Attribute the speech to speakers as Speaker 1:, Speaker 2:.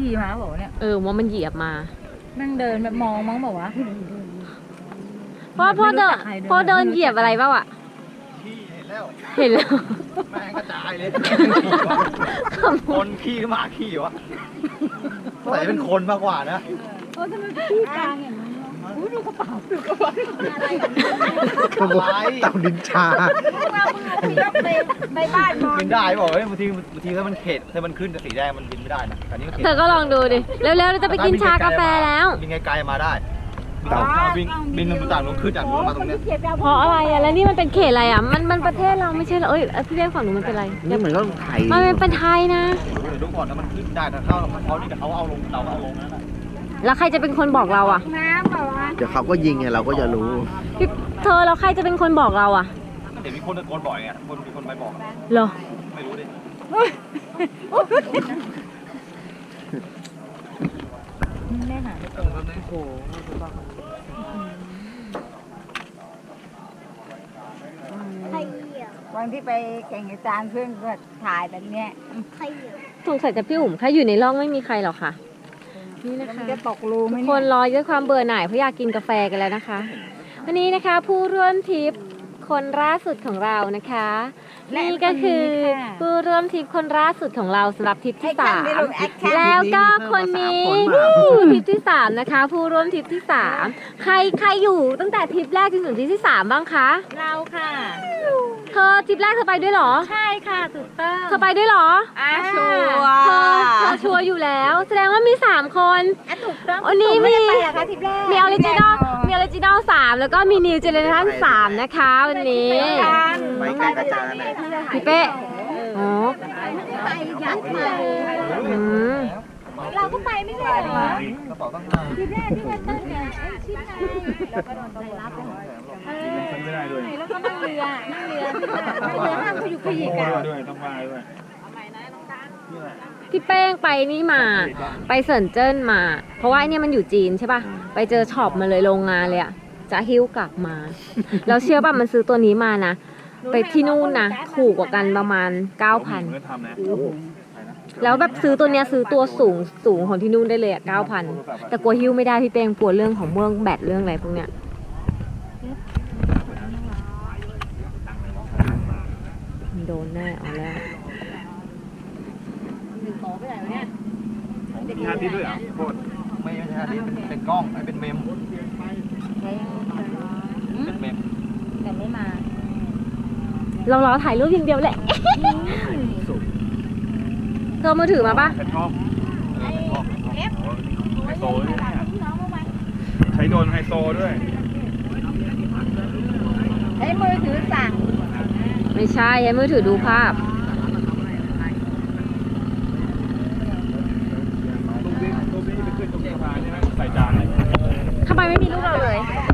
Speaker 1: ขี่มาบอกเนี่ย
Speaker 2: ว่ามันเหยียบมา
Speaker 1: นั่งเดินแบบมองมั้งบอกว่า
Speaker 2: พ่อเดินเหยียบอะไรเปล่าอ่ะเห็นแล้ว
Speaker 3: แม่งกระจายเลยคนขี้ก็มาขี้วะใส่เป็นคนมากกว่านะ
Speaker 1: ทำไมขี้กลางอย่างนี้ดูกระเป๋า
Speaker 3: อะไร
Speaker 4: เต่านินชา
Speaker 1: ในบ้านนอน
Speaker 3: บินได้บอกบางทีถ้ามันเข็ดถ้ามันขึ้นสีแดงมันบินไม่ได้นะแต่นี้
Speaker 2: เธอก็ลองดูดิเร็วๆเราจะไปกินชากาแฟแล้ว
Speaker 3: บินไกลๆมาได้บินต่างลงขึ้นจากนู้นมาตรงนี้
Speaker 2: เพราะอะไรอ่ะแล้วนี่มันเป็นเขตอะไรอ่ะมันประเทศเราไม่ใช่เหรอพี่เลี้ยงฝั่งนู้นมันเป็นอะไร
Speaker 4: นี่เหมือนก็ไทย
Speaker 2: มันเป็นไทยนะ
Speaker 3: เดี๋ยวดูก่อนนะมันขึ้นได้แต่เขานี่เขาเอาลงเราเอาลงนั่นแหละ
Speaker 2: แล้วใครจะเป็นคนบอกเราอ่ะ
Speaker 4: เดี๋ยวเขาก็ยิงไงเราก็จะรู้
Speaker 2: เธอแล้วใครจะเป็นคนบอกเราอ่ะ
Speaker 3: เดี๋ยวมีคนตะโกนบ่อยไงมีคนไปบอก
Speaker 2: เหรอ
Speaker 3: ไม่รู้ดิ
Speaker 1: แม่หาไม่เจอโอ้โหวันที่ไปแข่งอาจารย์เพื่อนก็ถ่ายแบบเนี้ย
Speaker 2: สงสัยจะพี่อุ๋มแค่อยู่ในร่องไม่มีใครหรอกค่ะนี่นะคะ
Speaker 1: จะตกรูไหม
Speaker 2: คนรอด้วยความเบื่อหน่ายเพราะอยากกินกาแฟกันแล้วนะคะวันนี้นะคะผู้ร่วมทริปคนล่าสุดของเรานะคะนี่ก็คือผู้ร่วมทริปคนล่าสุดของเราสำหรับทริปที่3แล้วก็คนนี้ทริปที่3นะคะผู้ร่วมทริปที่3ใครอยู่ตั้งแต่ทริปแรกจนถึงทริปที่3บ้างคะ
Speaker 1: เราค่ะ
Speaker 2: เธอทริปแรกเธอไปด้วยหรอ
Speaker 1: ใช่ค่ะถูกต้อง
Speaker 2: เธอไปด้วยหรอ
Speaker 1: ชัวร์
Speaker 2: เธอชัวร์อยู่แล้วแสดงว่ามี3คน
Speaker 1: ถูกต้อง
Speaker 2: วันนี้มีออริจินอล3แล้วก็มีนิวเจเนอเรชั่น3นะคะวันนี้
Speaker 4: ไปใกล้กระจาย
Speaker 2: พี่เป้อ๋อ
Speaker 1: เราก็ไปไม่ได้หรอทีแรกที่ว่าตั้งไงชิดไงแล้วก็โดนตำรวจรับ
Speaker 3: ไม่ได้ด้วย
Speaker 1: แล้วก็นั่งเรือห้ามเขาอยู่ขยิกกัน
Speaker 3: ด้วยต้องมาด้วย
Speaker 2: พี่เป้งไปนี่มาไปเซินเจิ้นมาเพราะว่าเนี่ยมันอยู่จีนใช่ป่ะไปเจอช็อปมาเลยโรงงานเลยอะจะหิ้วกลับมาแล้วเชื่อป่ะมันซื้อตัวนี้มานะไปที่นู่นนะถูกกว่ากันประมาณ 9,000 แล้วแบบซื้อตัวเนี้ยซื้อตัวสูงของที่นู่นได้เลยอะ 9,000 แต่กลัวหิ้วไม่ได้พี่เป้งกลัวเรื่องของเมืองแบตเรื่องอะไรพวกเนี้ยโดนแน่เอาแล้ว
Speaker 3: มีฮาร์ดดิสก์ด้วยเหรอโคตรไม่ใช่ฮาร์ดดิสก์เป็นกล้องเป็นเมมเป็นเมม
Speaker 1: แต่ไม่มา
Speaker 2: เรารอถ่ายรูปอย่างเดียวแหละเธอมือถือมาป่ะ
Speaker 3: เป็นกล้องไฮโซใช้โดนไฮโซด้วย
Speaker 1: ใช้มือถือสั่ง
Speaker 2: ไม่ใช่ใช้มือถือดูภาพ
Speaker 3: รูปนี้ไปขึ้นตรงสะพานใช่ไหมใส่จานเลย
Speaker 2: ทำไมไม่มีรูปเราเลย